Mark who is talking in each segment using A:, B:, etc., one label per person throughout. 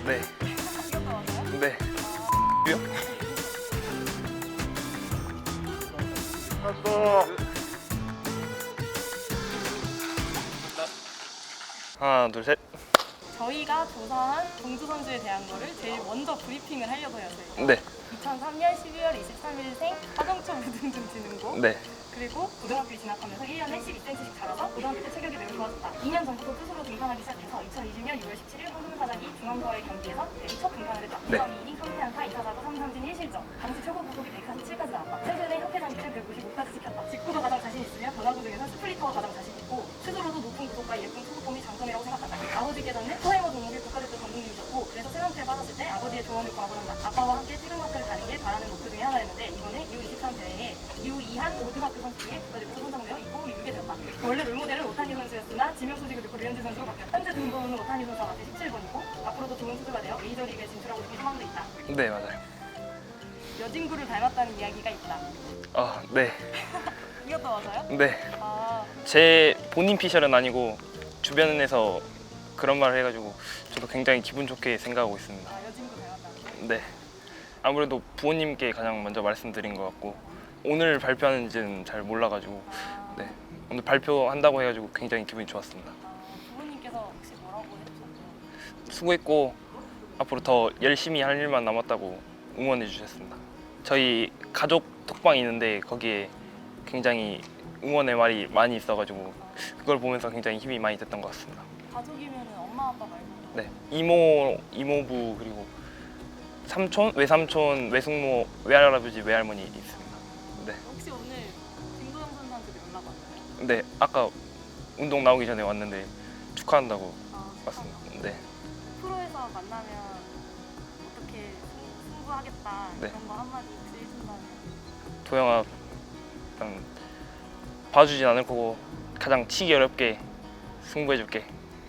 A: 네.
B: 이것도 맞아요?
A: 네. 요? 하나, 둘, 셋.
B: 저희가 조사한 동주 선수에 대한 거를 제일 먼저 브리핑을 하려고 해요. 저희가.
A: 네.
B: 2003년 12월 23일생 화정초 무등중지능고.
A: 네.
B: 그리고 고등학교에 진학하면서 1년에 12cm씩 자라서 고등학교 때 체격이 매우 좋아졌다. 2년 전부터 투수로 등판하기 시작해서 2020년 6월 17일 황금사자기 중앙과의 경기에서 데뷔 첫 등판을 했다.
A: 네.
B: 2위 3패안타 2타자구 3삼진 1실점. 당시 최고 구속이 147까지 나왔다. 최근에 협회 장기를 195까지 지켰다. 직구가 가장 자신 있으며 변화구 중에서 스플리터가 가장 자신 있고 스스로도 높은 구속과 예쁜 투구폼이 장점이라고 생각한다. 아버지께서는 프라이머 종목의 국가대표 감독님이셨고 그래서 세상패에 빠졌을 때 아버지의 조언을 구하고난다. 아빠와 함께 태극마크를 다는 게 바라는 목표 중에 하나였는데 이번에 U23 대회에 U2한 고등학교 선수 중에 국가대표 선정되어 입고 이루게 되었다. 원래 롤모델은 오타니 선수였으나 지명 소식을 듣고 류현진 선수로 바뀌었다. 현재 등번호는 오타니 선수와 같이 17번이고 앞으로도 좋은 투수가 되어 메이저리그에 진출하고 싶은 희망도 있다.
A: 네, 맞아요.
B: 여진구를 닮았다는 이야기가 있다.
A: 아, 네.
B: 이것도 맞아요?
A: 네.
B: 아,
A: 제 본인 피셜은 아니고 주변에서 그런 말을 해가지고 저도 굉장히 기분 좋게 생각하고 있습니다.
B: 여진구 닮았다는
A: 네. 아무래도 부모님께 가장 먼저 말씀드린 것 같고 오늘 발표하는지는 잘 몰라가지고 네. 오늘 발표한다고 해가지고 굉장히 기분이 좋았습니다.
B: 부모님께서 혹시 뭐라고 해주셨나요?
A: 수고했고 앞으로 더 열심히 할 일만 남았다고 응원해 주셨습니다. 저희 가족 톡방이 있는데 거기에 굉장히 응원의 말이 많이 있어가지고 그걸 보면서 굉장히 힘이 많이 됐던 것 같습니다.
B: 가족이면 엄마 아빠 말고
A: 네, 이모부 그리고 삼촌, 외삼촌, 외숙모, 외할아버지, 외할머니 있습니다. 네,
B: 혹시 오늘 김도영 선수한테 연락 왔나요?
A: 네 아까 운동 나오기 전에 왔는데 축하한다고 왔습니다. 네,
B: 프로에서 만나면 어떻게 승부하겠다
A: 네.
B: 이런 거 한마디 혹시 해준다면
A: 도영아 일단 봐주진 않을 거고 가장 치기 어렵게 승부해줄게.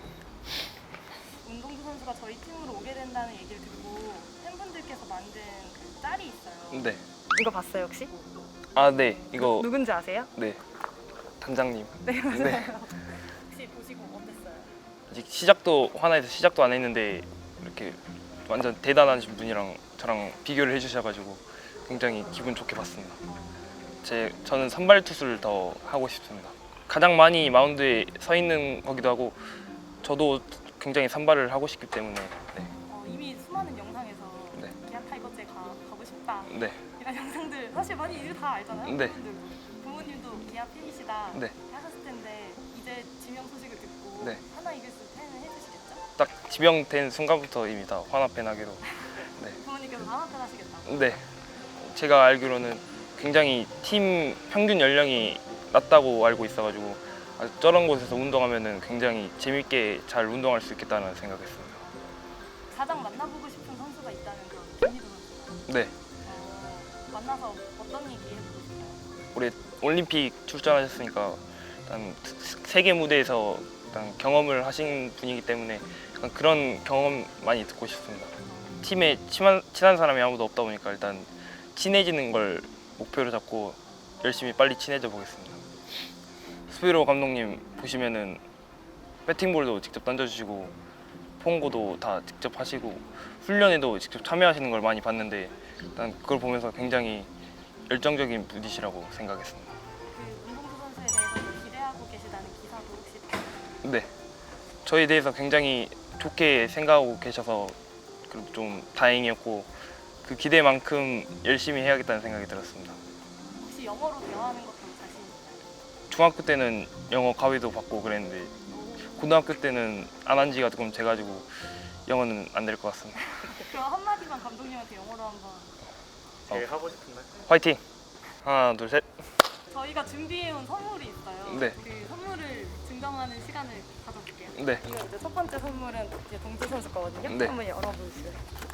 B: 운동주 선수가 저희 팀으로 오게 된다는 얘기를 듣고 팬분들께서 만든 그 짤이 있어요.
A: 네,
B: 이거 봤어요 혹시?
A: 아 네, 이거
B: 누군지 아세요?
A: 네 단장님.
B: 네 맞아요.
A: 네.
B: 혹시 보시고 어땠어요?
A: 아직 시작도 하나에서 시작도 안 했는데 이렇게 완전 대단하신 분이랑 저랑 비교를 해주셔가지고 굉장히 기분 좋게 봤습니다. 저는 선발 투수를 더 하고 싶습니다. 가장 많이 마운드에 서 있는 거기도 하고 저도 굉장히 선발을 하고 싶기 때문에 네.
B: 이미 수많은 영상에서
A: 네.
B: 기아 타이거즈에 가고 싶다
A: 네.
B: 이런 영상들 사실 많이 이거 다 알잖아요.
A: 네.
B: 부모님도 기아 팬이시다
A: 네.
B: 하셨을 텐데 이제 지명 소식을 듣고
A: 네.
B: 하나 이글스 팬을 해주시겠죠?
A: 딱 지명된 순간부터 이미 다 화나팬하기로. 네.
B: 부모님께서 하나 팬 하시겠다.
A: 네. 제가 알기로는 굉장히 팀 평균 연령이 낮다고 알고 있어가지고 저런 곳에서 운동하면은 굉장히 재밌게 잘 운동할 수 있겠다는 생각했습니다.
B: 가장 만나보고 싶은 선수가 있다면 그럼 김희도 선수.
A: 네.
B: 만나서 어떤 얘기 해보고 싶어요?
A: 올해 올림픽 출전하셨으니까 일단 세계 무대에서 일단 경험을 하신 분이기 때문에 약간 그런 경험 많이 듣고 싶습니다. 팀에 친한 사람이 아무도 없다 보니까 일단 친해지는 걸 목표로 잡고 열심히 빨리 친해져 보겠습니다. 스피로 감독님 보시면은 배팅볼도 직접 던져주시고 폰고도 다 직접 하시고 훈련에도 직접 참여하시는 걸 많이 봤는데 일단 그걸 보면서 굉장히 열정적인 분이시라고 생각했습니다.
B: 그 운동주 선수에 대해서 기대하고 계시다는 기사도 혹시 봤나요?
A: 네, 저에 대해서 굉장히 좋게 생각하고 계셔서 그래도 좀 다행이었고 그 기대만큼 열심히 해야겠다는 생각이 들었습니다.
B: 혹시 영어로 대화하는 것도 자신 있나요?
A: 중학교 때는 영어 가위도 받고 그랬는데 고등학교 때는 안 한 지가 조금 돼가지고 영어는 안 될 것 같습니다.
B: 그럼 한마디만 감독님한테 영어로 한번.
C: 제일 하고 싶은 말?
A: 화이팅! 하나, 둘, 셋.
B: 저희가 준비해온 선물이 있어요.
A: 네.
B: 그 선물을 증정하는 시간을 가져볼게요.
A: 네.
B: 이거 이제 첫 번째 선물은 이제 동주 선수 거거든요.
A: 네.
B: 한번 열어보시죠.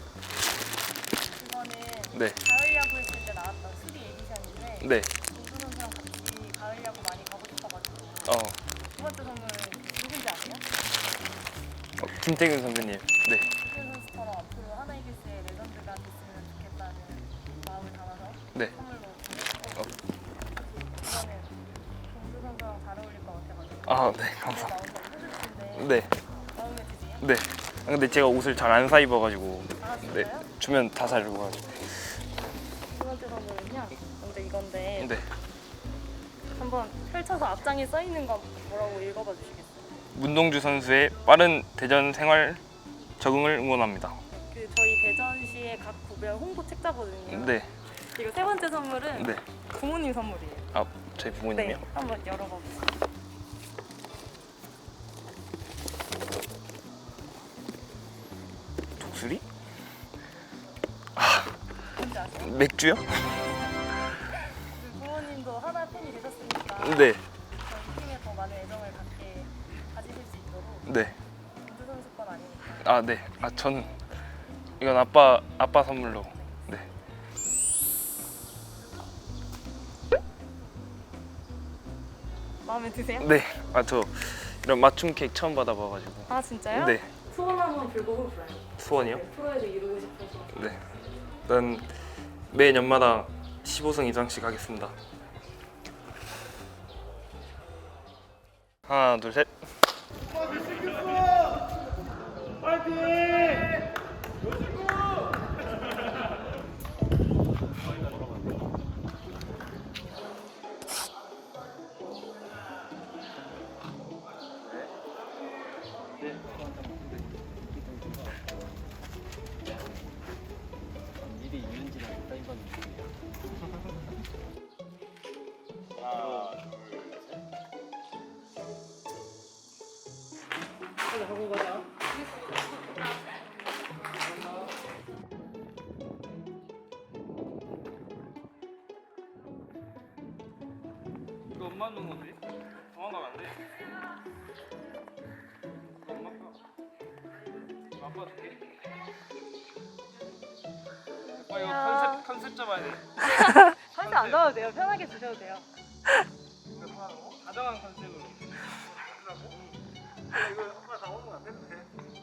B: 이거는
A: 네.
B: 가을 야구 했을 때 나왔던 3 에디션인데
A: 네.
B: 동주 선수랑 같이 가을 야구 많이 가고 싶어가지고. 두 번째 선물은 누군지 아세요?
A: 김태균 선배님. 네.
B: 김태균 선수처럼 앞으로 하나 이글스의 레전드가 됐으면 좋겠다는 마음을 담아서
A: 네.
B: 선물로 준비했고 이거는 동주 선수랑 잘 어울릴 것 같아가지고
A: 아, 네. 감사합니다.
B: 나온 거 해줄 텐데
A: 네.
B: 마음에 드세요?
A: 네. 근데 제가 옷을 잘 안 사 입어가지고
B: 아
A: 네,
B: 진짜요?
A: 주면 다 사주고 가지고.
B: 두 번째 선물은요. 먼저 이건데
A: 네.
B: 한번 펼쳐서 앞장에 써 있는 거 뭐라고 읽어봐 주시겠어요?
A: 문동주 선수의 빠른 대전 생활 적응을 응원합니다.
B: 그 저희 대전시의 각 구별 홍보 책자거든요.
A: 네,
B: 그리고 세 번째 선물은
A: 네.
B: 부모님 선물이에요.
A: 아, 저희 부모님이요?
B: 네, 한번 열어봐 보세요.
A: 독수리?
B: 뭔지 아세요?
A: 맥주요?
B: 부모님도 하나 팬이 되셨으니까
A: 네,
B: 저희 팀에 더 많은 애정을 가지실 수 있도록
A: 네.
B: 문주 선수 건 아니니까
A: 아, 네. 아, 저는 이건 아빠 선물로. 네.
B: 마음에 드세요?
A: 네. 아, 저 이런 맞춤 케이크 처음 받아봐가지고.
B: 아 진짜요?
A: 네.
B: 소원 한번 불고고 불어요.
A: 수원이요?
B: 네, 프로에서 이루고 싶어서.
A: 네. 일단 매 년마다 15승 이상씩 하겠습니다. 하나, 둘, 셋.
B: 가고 가자.
A: 이거 엄마 넣은 건데? 도망가면 안 돼. 엄마 거. 아빠 줄게. 아, 이거 컨셉 잡아야 돼.
B: 컨셉 안 잡아도 돼요. 편하게 주셔도 돼요.
A: 다정한 컨셉으로.
C: 이거 아빠 다 먹으면 안 되는데.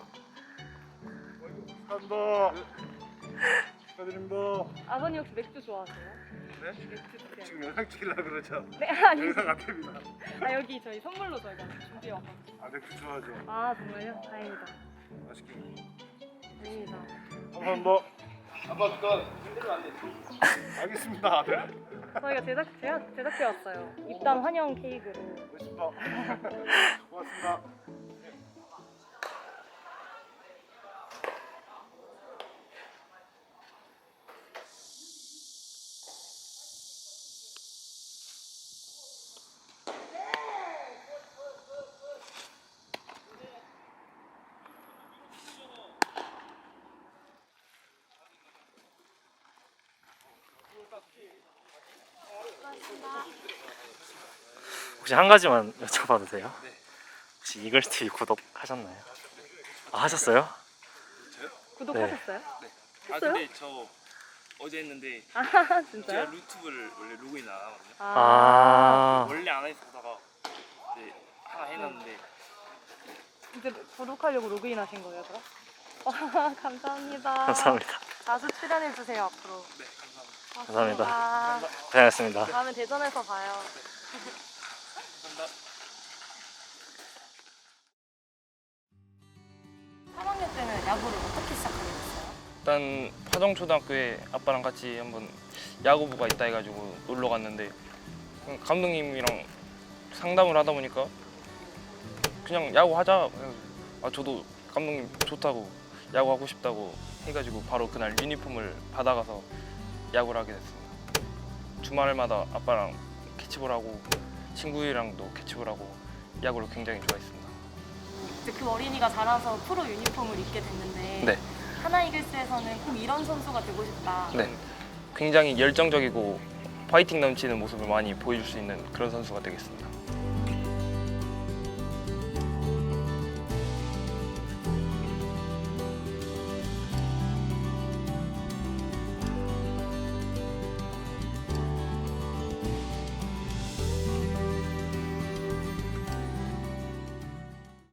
C: 감사합니다. 축하드립니다.
B: 아버님 혹시 맥주 좋아하세요?
C: 네?
B: 맥주 드세요.
C: 지금 영상 찍으려고 그러죠?
B: 네 아니.
C: 영상 안 됩니다.
B: 아 여기 저희 선물로 저희가 준비해 왔거든요.
C: 아, 맥주 좋아하죠?
B: 아 정말요? 다행이다.
C: 맛있게.
B: 다행이다.
C: 감사합니다. 아빠 그건 흔들면 안 돼. 알겠습니다, 아들.
B: 저희가 제가 제작해 왔어요. 입단 환영 케이크로.
C: 멋있다. 고맙습니다.
D: 혹시 한 가지만 여쭤봐도 돼요? 네. 혹시 이글스TV 구독하셨나요? 아, 하셨어요?
B: 구독하셨어요?
A: 아,
B: 했어요?
A: 근데 저 어제 했는데
B: 아
A: 제가
B: 진짜요?
A: 유튜브를 원래 로그인 안 하거든요.
D: 아,
A: 원래 안 했다가 이제 하나 해놨는데
B: 이제 구독하려고 로그인 하신 거예요, 그럼? 와 감사합니다.
D: 감사합니다.
B: 자주 출연해 주세요 앞으로.
A: 네, 감사합니다.
D: 감사합니다. 고생하셨습니다.
B: 다음에 대전에서 봐요.
A: 감사합니다.
B: 3학년 때는 야구를 어떻게 시작하게 됐어요?
A: 일단 파정초등학교에 아빠랑 같이 한번 야구부가 있다 해가지고 놀러 갔는데 감독님이랑 상담을 하다 보니까 그냥 야구 하자. 아, 저도 감독님 좋다고 야구 하고 싶다고 해가지고 바로 그날 유니폼을 받아가서 야구를 하게 됐습니다. 주말마다 아빠랑 캐치볼 하고 친구들이랑도 캐치볼 하고 야구를 굉장히 좋아했습니다.
B: 이제 그 어린이가 자라서 프로 유니폼을 입게 됐는데
A: 네.
B: 하나이글스에서는 꼭 이런 선수가 되고 싶다.
A: 네. 굉장히 열정적이고 파이팅 넘치는 모습을 많이 보여줄 수 있는 그런 선수가 되겠습니다.